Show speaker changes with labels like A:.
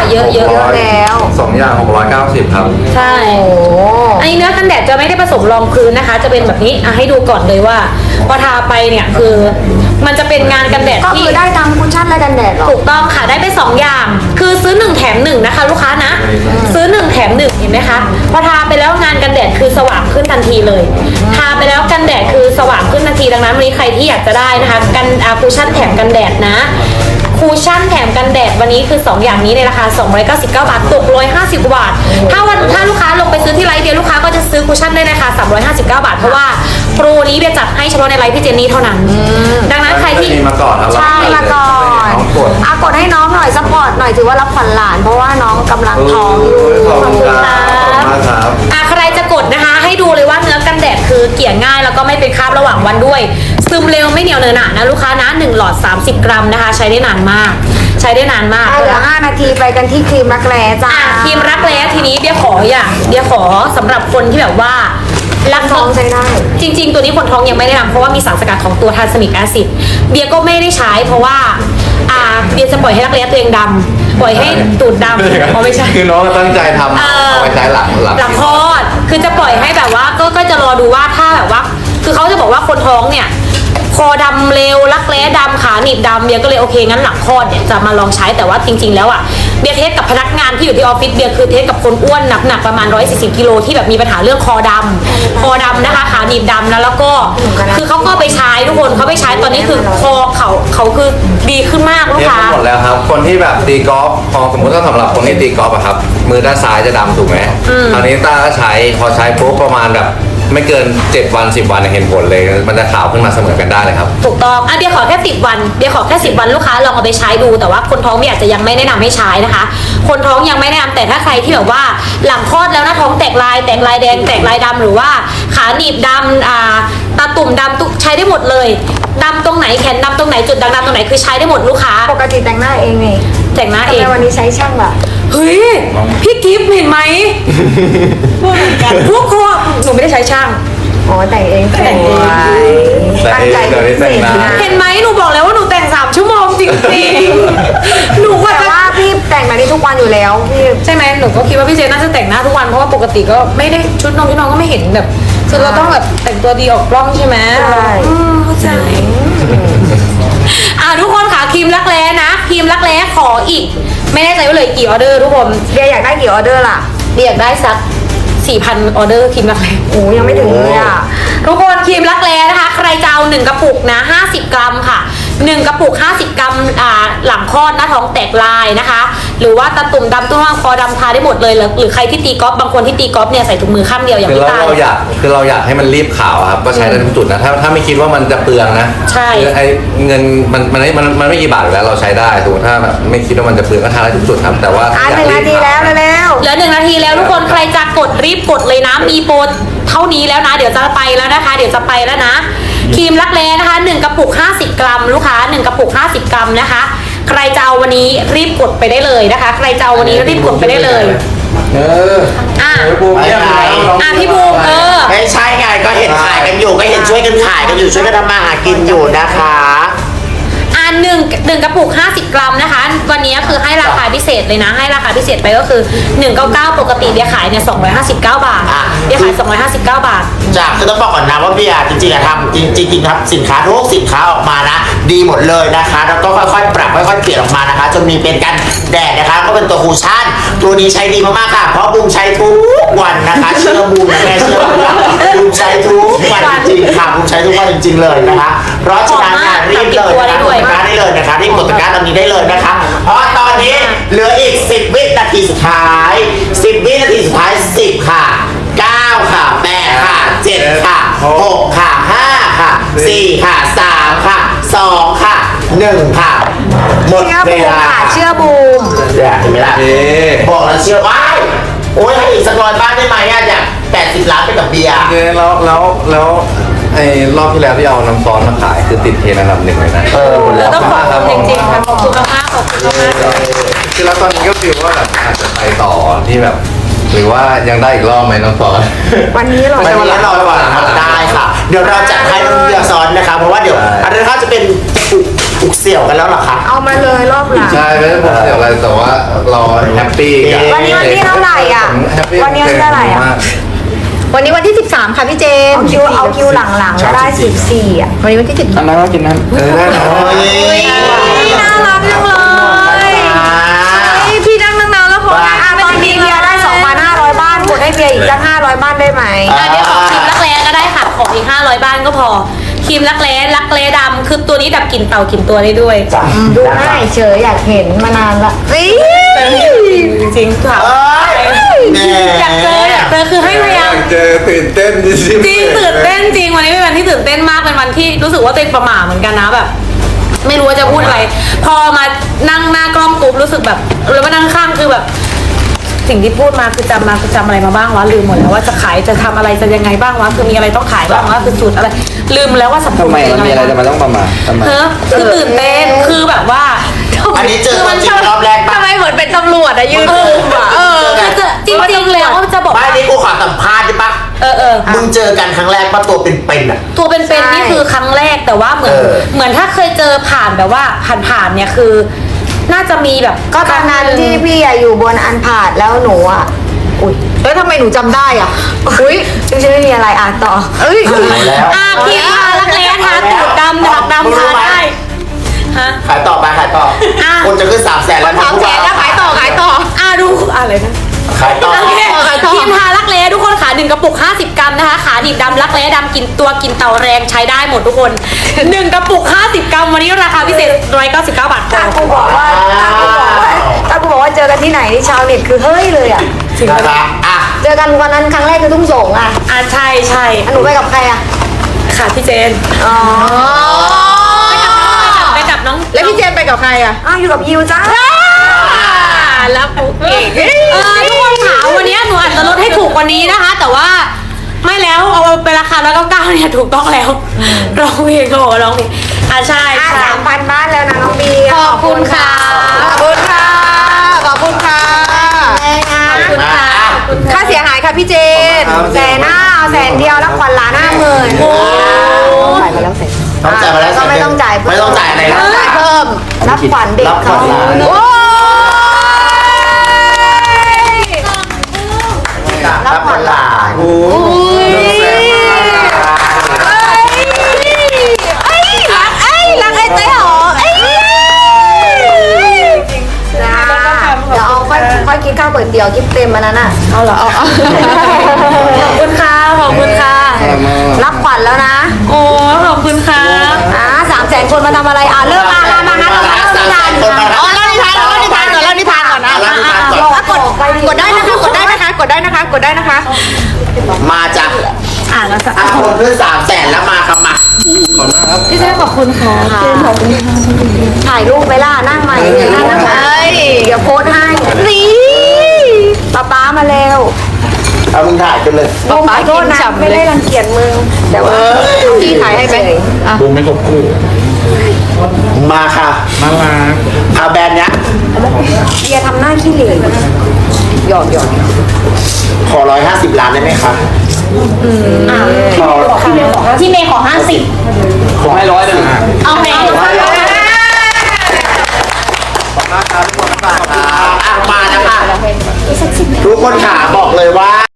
A: เยอะ
B: แล้ว
C: 2 อย่าง690ครับ
A: ใช่อันนี้เนื้อกันแดดจะไม่ได้ผสมรองพื้นนะคะ จะเป็นแบบนี้ให้ดูก่อนเลยว่าพอทาไปเนี่ยคือมันจะเป็นงานกันแดด
B: ก็
A: ที่
B: คือได้ทั้งคุชชั่นและกันแดดหรอ
A: ถูกต้องค่ะได้ไป2อย่างคือซื้อ1แถม1นะคะลูกค้านะซื้อ1แถม1เห็นไหมคะพอทาไปแล้วงานกันแดดคือสว่างขึ้นทันทีเลยทาไปแล้วกันแดดคือสว่างขึ้นทันทีดังนั้นวันนี้ใครที่อยากจะได้นะคะกันคูชั่นแถมกันแดดนะคูชั่นแถมกันแดดวันนี้คือ2อย่างนี้ในราคา299 บาทตก150 บาทถ้าลูกค้าลงไปซื้อที่ไลฟ์เดียวลูกค้าก็จะซื้อคูชั่นได้ในราคา359 บาทเพราะว่าโปรนี้เบียจัดให้เฉพาะในไลฟ์พี่เจนนี่เท่านั้นดังนั้นใครที่
C: มาก่อนครับ
B: ใช่มาก่อนกดให้น้องหน่อยซัพพอร์ตหน่อยถือว่ารับขวัญหลานเพราะว่าน้องกำลังท้องอยู่
C: ขอบคุณครับ
A: ใครจะกดนะคะให้ดูเลยว่าเนื้อกันแดดคือเกลี่ยง่ายแล้วก็ไม่เป็นคราบระหว่างวันด้วยซึมเร็วไม่เหนียวเนอะหนะนะลูกค้านะ1 หลอด 30 กรัมนะคะ ใช้ได้นานมากใช้ได้นานมาก
B: เหลือ5 นาทีไปกันที่ครีมรักแร้จ้า
A: ครีมรักแร้ทีนี้เบียร์ขอสำหรับคนที่แบบว่ารัก
B: ท้องใช้ได้
A: จริงๆตัวนี้คนท้องยังไม่ได้นำเพราะว่ามีสารสกัดของตัวทานสมิกแอซิดเบียร์ก็ไม่ได้ใช้เพราะว่าเบียร์จะปล่อยให้รักแร้ตัวเองดำปล่อยให้ตูดดำไม่ใช่
C: คือน้องตั้งใจทำเอาไว้ใช้หลัง
A: คลอดคือจะปล่อยให้แบบว่าก็จะรอดูว่าถ้าแบบว่าคือเขาจะบอกว่าคนท้องเนี่ยคอดำเร็วรักแร้ดำขาหนีบดำเบียร์ก็เลยโอเคงั้นหลังคลอดเนี่ยจะมาลองใช้แต่ว่าจริงๆแล้วอ่ะเบียร์เทสกับพนักงานที่อยู่ที่ออฟฟิศเบียร์คือเทสกับคนอ้วนหนักประมาณ140 กิโลที่แบบมีปัญหาเรื่องคอดำนะคะขาหนีบดำนะแล้วก็คือเขาก็ไปใช้ทุกคนเขาไปใช้ตอนนี้คือคอเขาคือดีขึ้นมากลูกค้า
C: หมดแล้วครับคนที่แบบตีกอล์ฟพอสมมติว่าสำหรับคนที่ตีกอล์ฟอะครับมือด้านซ้ายจะดำถูกไหมคราวนี้ต้าก็ใช้พอใช้ปุ๊บประมาณแบบไม่เกิน7 วัน 10 วันเห็นผลเลยมันจะขาวขึ้นมาเสมอกันได้เลยครับ
A: ถูกต้องเบียร์ขอแค่10 วันเบียร์ขอแค่10 วันลูกค้าลองเอาไปใช้ดูแต่ว่าคนท้องเบียร์อาจจะยังไม่แนะนำให้ใช้นะคะคนท้องยังไม่แนะนำแต่ถ้าใครที่แบบว่าหลังคลอดแล้วนะท้องแตกลายแดงแตกลายดำหรือว่าขาหนีบดำตาตุ่มดำใช้ได้หมดเลยดำตรงไหนแขนดำตรงไหนจุดด่างดำตรงไหนคือใช้ได้หมดลูกค้า
B: ปกติแต่งหน้าเองไง
A: แต่งหน้าเอง
B: วันนี้ใช้ช่างล่ะ
A: เฮ้ยพี่กิฟต์เห็นไหมพวกคนหนูไม่ได้ใช้ช่าง
B: แต่งเองตั้งใจ
A: เห็นไหมหนูบอกแล้วว่าหนูแต่ง3 ชั่วโมงจริงๆหนู
B: แต่ว่าพี่แต่งแบบนี้ทุกวันอยู่แล้วพี่
A: ใช่ไหมหนูก็คิดว่าพี่เจน่าจะแต่งหน้าทุกวันเพราะว่าปกติก็ไม่ได้ชุดน้องก็ไม่เห็นแบบคือเราต้องแบบแต่งตัวดีออกกล้องใช่ไหม
B: ใช่
A: เข้าใจทุกคนค่ะครีมรักแร้นะครีมรักแร้ขออีกไม่แน่ใจว่าเลยกี่ออเดอร์ทุกคน
B: เบียร์อยากได้กี่ออเดอร์ล่ะ
A: เบียร์อยากได้สัก4,000 ออเดอร์ครีมรักแร้
B: ยังไม่ถึงเลยอ่ะ
A: ทุกคนครีมรักแร้นะคะใครจะเอา1 กระปุกนะ50 กรัมค่ะ1 กระปุก50 กรัมหลังคลอดหน้าท้องแตกลายนะคะหรือว่าตาตุ่มดำตุ้งคอดำทาได้หมดเลยหรือใครที่ตีกอล์ฟบางคนที่ตีกอล์ฟเนี่ยใส่ถุงมือข้างเดียวอย่าง
C: พี่ตาเราอยากให้มันรีบขาวครับก็ใช้ได้ทุกจุดนะถ้าไม่คิดว่ามันจะเปลืองนะ
A: ใช่
C: ไอ้เงินมันไม่กี่บาทอยู่แล้วเราใช้ได้ถูกถ้าแบบไม่คิดว่ามันจะเปลืองก็ทาได้ทุกจุดครับแต่ว่า
B: 1 นาทีแล้วเห
A: ลือ1 นาทีแล้วทุกคนใครจะกดรีบกดเลยนะมีโปรเท่านี้แล้วนะเดี๋ยวจะไปแล้วนะคะเดี๋ยวจะไปแล้วนะครีมรักแร้นะคะ1 กระปุก50 กรัมลูกค้า1 กระปุก50 กรัมนะคะใครจะเอาวันนี้รีบกดไปได้เลยนะคะใครจะเอาวันนี้รีบกดไปได้เลยพี่บูม
D: ไม่ใช่ไงก็เห็นขายกันอยู่ก็เห็นช่วยกันขายกันอยู่ช่วยกันทำมาหากินอยู่นะคะ
A: หนึ่งกระปุก50 กรัมนะคะวันนี้คือให้ราคาพิเศษเลยนะให้ราคาพิเศษไปก็คือ199ปกติเบียร์ขายเนี่ย259 บาทเบียร์ขาย259 บาท
D: จากคือต้องบอกก่อนนะว่าเบียร์จริงๆทำจริงๆครับสินค้าทุกสินค้าออกมานะดีหมดเลยนะคะแล้วก็ค่อยๆปรับค่อยๆเปลี่ยนออกมานะคะจนมีเป็นกันแดดนะคะก็เป็นตัวคูชั่นตัวนี้ใช้ดีมากๆค่ะเพราะบูมใช้ทุกวันนะคะเชื่อบูมนะแม่เชื่อบูมใช้ทุกวันจริงๆค่ะบูมใช้ทุกวันจริงๆเลยนะคะเพราะฉะนั้นรีบเลยได้เลยนะคะรีบกดตะกร้าตรงนี้ได้เลยนะคะเพราะตอนนี้เหลืออีก10 วินาทีสุดท้าย10 วินาทีสุดท้าย10ค่ะ9ค่ะ8ค่ะ7ค่ะ6ค่ะ5ค่ะ4ค่ะ3ค่ะ2ค่ะ1ค่ะหมดเวลา
B: เชื่อบูม
D: เห็นไหมล่ะบอกแล้วเชื่อว้ายโอ้ยให้อีกสัก100 บ้านได้ไหมอยาก80 ล้านไปกับเบียร์
C: แล้วไอ้รอบที่แล้วที่เอาน้ำซอสมาขายคือติดเทรนด์อันดับ 1เลยนะ
A: ต้องขอบคุณจริงๆค่ะขอบคุณมากขอบคุณมาก
C: คือแล้วตอนนี้ก็ฟีลว่าแบบอาจจะไปต่อที่แบบหรือว่ายังได้อีกรอบไหมน้องซอส
B: วันนี้เรา
D: ไม่วันรอได้ค่ะเดี๋ยวเราจัดให้น้องเบียร์ซ้อนนะคะเพราะว่าเดี๋ยวอันนั้นเขาจะเป็นอุกเสี่ยวกันแล้วเหรอคะ
B: เอามาเลยรอบหลัง
C: ใช่ไม่ได้ผมเสียอะไรแต่ว่าเราแฮปปี้กับ
B: วันนี้วันที่เท่าไหร่อ่ะ
C: ผมแฮปปี้
B: วันนี้วันที่เท่าไหร่อ่ะ
C: มาก
E: วันนี้วันที่ 13 ค่ะพี่เจน
B: เอาคิวหลังๆก็ได้14อ่ะ
E: วันนี้วันที่
F: อันนั้นก็กินนั้น
C: ได้เนอะ
E: น่ารักจังเลยพี่นั่งนานๆแล้วพอ
B: อ่ะตอนนี้เบียร์ได้ 2,500 บ้านกดให้เบียร์อีกสัก500 บ้านได้ไหม
A: อันนี้ขอครีมรักแร้ก็ได้ค่ะ ขออีก500 บ้านก็พอ ครีมรักแร้ดำคือตัวนี้ดับกลิ่นเต่ากลิ่นตัวได้ด้วย
D: จ้ะ
B: ดูง่ายเฉยอยากเห็นมานานละ
A: จริงๆค่ะ
D: แน่
A: อยากเจอคือให้พยายาม
C: เจอตื่นเต้นจริง
A: จริงตื่นเต้นจริงวันนี้เป็นวันที่ตื่นเต้นมากเป็นวันที่รู้สึกว่าตัวเองประหม่าเหมือนกันนะแบบ ไม่รู้ว่าจะพูดอะไร พอมานั่งหน้ากล้องปุ๊บรู้สึกแบบแล้วมานั่งข้างคือแบบ สิ่งที่พูดมาคือจำอะไรมาบ้างวะลืมหมดแล้วว่าจะขายจะทำอะไรจะยังไงบ้างวะคือมีอะไรต้องขายบ้างวะคือสูตรอะไร ลืมแล้วว่าสัม
F: ทำไม
A: ผัส
F: มันมีอะไรจะมาต้องประมาททำไม
A: เฮ้อคือตื่นเต้นคือแบบว่า
D: อันนี้เจอตัวจริงรอบแรกปะ
E: ทำไมเหมือนเป็นตำรวจอะยืนคุมอะ
A: คือจริงๆแล้วจะบอก
D: ไม่
A: ว่า
D: นี่กูขอสัมภาษณ์ได้ปะ
A: ๆ
D: มึงเจอกันครั้งแรกปะตัวเป็นๆอ่ะ
A: ตัวเป็นๆนี่คือครั้งแรกแต่ว่าเหมือน เหมือนถ้าเคยเจอผ่านแบบว่าผ่านๆเนี่ยคือ น่าจะมีแบบ
B: ก็ตอนนั้นที่พี่อะอยู่บนอันผาดแล้วหนูอ่ะ อุ้ย
E: แล้วทำไมหนูจำได้อ่ะอุ้ย
B: จริงๆไม่มีอะไรอ่านต่อ
E: เอ้ย
D: แล้ว
A: พี่รักแร้ทาตูดดำถักดำทาได้ฮะ
D: ขายต่อไปขายต่อ
A: อ่ะ
D: คนจะขึ้น300,000แล้ว
E: 300,000แล้วขายต่อ
A: ดูอะไรนะ
D: ขายต่อ
A: โอเคครีมทารักแร้ทุกคนขา1กระปุก50 กรัมนะคะขาดิบดำรักแร้ดำกินตัวกินเต่าแรงใช้ได้หมดทุกคน1กระปุก50 กรัมวันนี้ราคาพิเศษ199 บาทพ
B: ถ้า
A: อ
B: กูบอกว่าเจอกันที่ไหนนี่ชาวเน็ตคือเฮ้ยเลยอ่ะ
D: นะครับอ่ะ
B: เจอกันวันนั้นครั้งแรกคือทุ่งสงอ่ะ
A: ใช่
B: หนูไปกับใครอ่ะ
A: ค่ะพี่เจน
B: อ๋อ
A: ไปกับน้อง
E: แล้วพี่เจนไปกับใครอ่ะ
B: อ้าวอยู่กับยิวจ้า
A: แล้วปุ๊กเก่งทุกคนขาวันนี้หนูอาจจะลดให้ถูกกว่านี้นะคะ แต่ว่าไม่แล้วเอาไปราคา199เนี่ยถูกต้องแล้วร้องเพลงก็บอกว่าร้องเพลงใช่
B: 3,000 บ้านแล้วนะน้องบี
A: ขอบคุณค่ะ
E: ขอบคุณค่ะ ขอบคุณค่ะ
A: ขอบคุณค่ะขอบคุณค่ะ
E: ค่าเสียหายค่ะพี่เจน
B: แสนห้าเอาแสนเดียวแล้วขวัญล้าน50,000
A: โอ้
B: จ่ายไปแล้วแสน
D: ต้องจ่ายมาแล้ว
B: ก็ไม่ต้องจ่าย
D: ไม่ต้องจ่ายอะไรนะ
E: จ่ายเพิ่ม
B: รับขวัญเด็ก
D: รับขวั
B: เขา
D: ญล้าน
E: โอ้ย
D: รับขวัญหลาน
E: อุ้ยรักไอ้เต้หอม
B: จ้าเดี๋ยวเอาค่อยกินข้าวก๋วยเตี๋ยวกินเต็มมันนั้นอ่ะ
A: เอาเหรอขอบคุณค่ะขอบคุณค่ะ
B: รับขวัญแล้วนะ
A: โอ้ขอบคุณค่ะ
B: 300,000 คนมาทำอะไรเลิกมาแล้วมาฮะเราเลิกงาน
D: คนมา
E: อ๋อเล่านิทานก่อนเล่านิทานก่อนนะ
D: เล่านิทานก่อน
E: กดได้นะคะกดได้นะคะ
D: มาจ้ะ
A: แล้วจ้ะ
D: คนขึ้น300,000แล้วมาครับมา
A: พี่เจนขอบคุณค่ะ
B: ถ่ายรูปไปล่ะนั่งใหม่นั่งใหม่เดี๋ยวโพสให้
E: นี่
B: ป๊ามาเร็ว
D: เอามึงถ่ายกันเลย
B: ขอโทษนะไม่ได้รังเกียจมึงแต่ว่า
E: พี่ถ่ายให้ไหม
F: บูมไม่ครบคู่
D: มาค่ะ
F: น่ารัก
D: เอาแบรนด์เนี้ย
B: เบียร์ทำหน้าขี้เหร่หยอด
D: ขอ150 ล้านได้ไหมคะขอ
A: ที่เมย์ขอ50
F: ผมให้100เลยนะ
A: เอาไหม
D: มานะคะทุกคนขาบอกเลยว่า